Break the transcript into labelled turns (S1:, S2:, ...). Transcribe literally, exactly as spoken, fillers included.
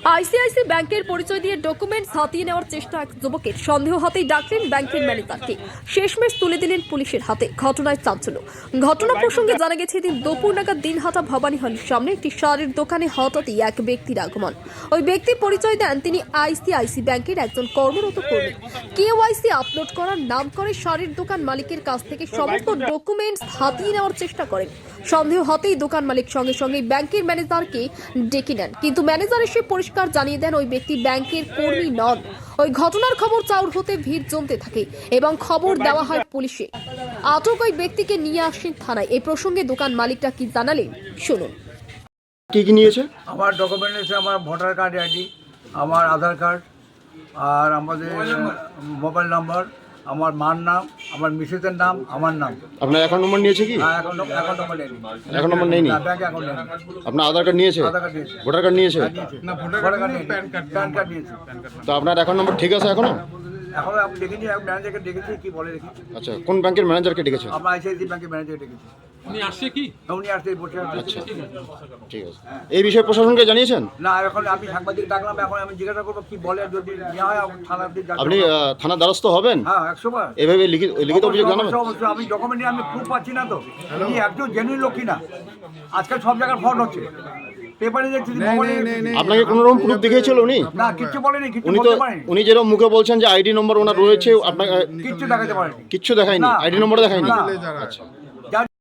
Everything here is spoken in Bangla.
S1: আইসিআইসি ব্যাংকের পরিচয় দিয়ে ডকুমেন্টস হাতিয়ে নেওয়ার চেষ্টা এক যুবকের সন্দেহ হতেই ডাকলেন ব্যাংকের ম্যানেজারকে। শেষমেশ তুলে দিলেন পুলিশের হাতে। ঘটনায় চাঞ্চল্য। ঘটনা প্রসঙ্গে জানা গেছে দিন দুপুর নাগাদ দিনহাটা ভবানী হলের সামনে একটি শাড়ির দোকানে হঠাৎই এক ব্যক্তির আগমন। ওই ব্যক্তি পরিচয় দেন তিনি আইসিআইসি ব্যাংকের একজন কর্মরত কর্মী। কেওয়াইসি আপলোড করার নাম করে শাড়ির দোকান মালিকের কাছ থেকে সমস্ত ডকুমেন্টস হাতিয়ে নেওয়ার চেষ্টা করেন। সন্দেহ হতেই দোকান মালিক সঙ্গে সঙ্গে ব্যাংকের ম্যানেজারকে ডেকে নেন, কিন্তু ম্যানেজার এসে পরিষ্কার জানিয়ে দেন ওই ব্যক্তি ব্যাংকের কর্মী নন। ওই ঘটনার খবর চাউর হতে ভিড় জমতে থাকে এবং খবর দেওয়া হয় পুলিশে। আটক ওই ব্যক্তিকে নিয়ে আসেন থানায়। এই প্রসঙ্গে দোকান মালিকরা কি জানালেন শুনুন।
S2: কি কি নিয়েছে?
S3: আমার ডকুমেন্ট আছে, আমার ভোটার কার্ড আইডি, আমার আধার কার্ড, আর আমাদের মোবাইল নাম্বার, আমার মার নাম, আমার মিসেসের নাম, আমার নাম।
S2: আপনার অ্যাকাউন্ট নম্বর নিয়েছে কি?
S3: হ্যাঁ, অ্যাকাউন্ট অ্যাকাউন্ট নাম্বার নেই।
S2: অ্যাকাউন্ট নম্বর নেই নি?
S3: না, ব্যাংক অ্যাকাউন্ট নেই।
S2: আপনার আধার কার্ড নিয়েছে?
S3: আধার কার্ড নিয়েছে।
S2: ভোটার কার্ড নিয়েছে?
S3: না, ভোটার কার্ড নেই, প্যান কার্ড প্যান কার্ড নিয়েছে।
S2: তো আপনার অ্যাকাউন্ট নম্বর ঠিক আছে এখনো?
S3: এখন আমি দেখিনি, আমি ম্যানেজারকে ডেকেছি, কি বলে দেখি।
S2: আচ্ছা, কোন ব্যাংকের ম্যানেজারকে ডেকেছে?
S3: আমরা আইসিআইসি ব্যাংকের ম্যানেজারকে ডেকেছি।
S4: উনি আসছে কি?
S3: উনি আসতে বসে আছে।
S2: আচ্ছা, ঠিক আছে। এই বিষয়ে প্রশাসনকে জানিয়েছেন?
S3: না, এখন আমি সাংবাদিক ডাকলাম, এখন আমি জিজ্ঞাসা করবো কি বলে, যদি নেওয়া হয় থানার দিকে যাবো।
S2: আপনি আহ, থানার দ্বারস্থ হবেন?
S3: হ্যাঁ, একশো বার।
S2: এভাবে লিখিত লিখিত অভিযোগ জানাবেন?
S3: অবশ্যই, অবশ্যই। আমি ডকুমেন্ট নিয়ে আমি প্রুফ পাচ্ছি না তো, উনি একজন জেনুইন লোক কিনা। আজকাল সব জায়গায় ফ্রড হচ্ছে, পেপারে দেখছি,
S2: আপনাকে কোনো রকম প্রুফ দেখিয়েছিল উনি?
S3: না, কিচ্ছু বলেনি, কিচ্ছু
S2: উনি তো
S3: বলতে পারেনি,
S2: উনি যেরকম মুখে বলছেন যে আইডি নম্বর ওনার রয়েছে, আপনাকে
S3: কিচ্ছু দেখাতে পারেনি।
S2: কিচ্ছু দেখায়নি?
S3: না।
S2: আইডি নম্বর দেখায়নি?
S3: না।
S2: আচ্ছা।